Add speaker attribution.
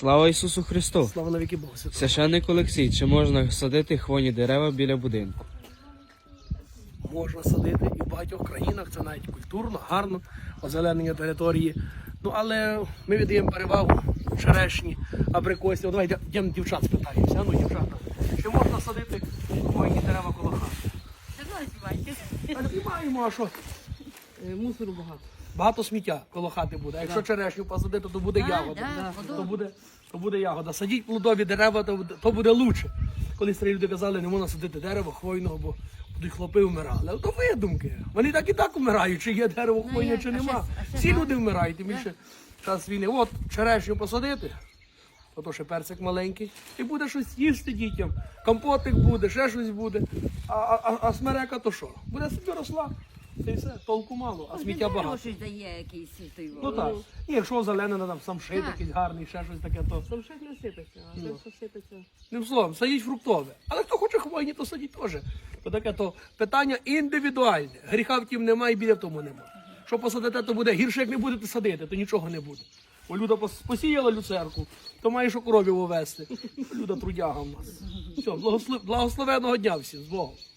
Speaker 1: Слава Ісусу Христу!
Speaker 2: Слава навіки Богу Святого.
Speaker 1: Священник Олексій, чи можна садити хвойні дерева біля будинку?
Speaker 2: Можна садити і в багатьох країнах, це навіть культурно, гарно, озеленення території. Ну, але ми віддаємо перевагу черешні, абрикосі. Давай йдемо дівчат спитаємося. Ну, дівчата, чи можна садити хвойні дерева коло хати? А не маємо, а що?
Speaker 3: Мусору багато.
Speaker 2: Багато сміття коло хати буде. А якщо черешню посадити, то буде ягода. То буде ягода. Садіть плодові дерева, то буде лучше. Коли старі люди казали, не можна садити дерево хвойного, бо будуть хлопи вмирали. Але то видумки. Вони так і так вмирають, чи є дерево хвойне, чи нема. Всі люди вмирають, тим більше час війни. От черешню посадити, то ще персик маленький, і буде щось їсти дітям. Компотик буде, ще щось буде. А смерека то що? Буде собі росла. Це все, толку мало, а сміття багато.
Speaker 3: Щось дає якийсь той.
Speaker 2: Ну так. І якщо зелене, там самшит
Speaker 3: Так.
Speaker 2: якийсь гарний, ще щось таке, то...
Speaker 3: Самшит не сипеться, а те, що сипеться.
Speaker 2: Не словом, садіть фруктове. Але хто хоче хвойні, то садіть теж. То таке то питання індивідуальне. Гріха втім немає, і біля в тому немає. Що посадите, то буде гірше, як не будете садити, то нічого не буде. Бо Люда посіяла люцерку, то має що коровів увести. Люда трудяга в нас. Все, благословеного дня всім, з Богом.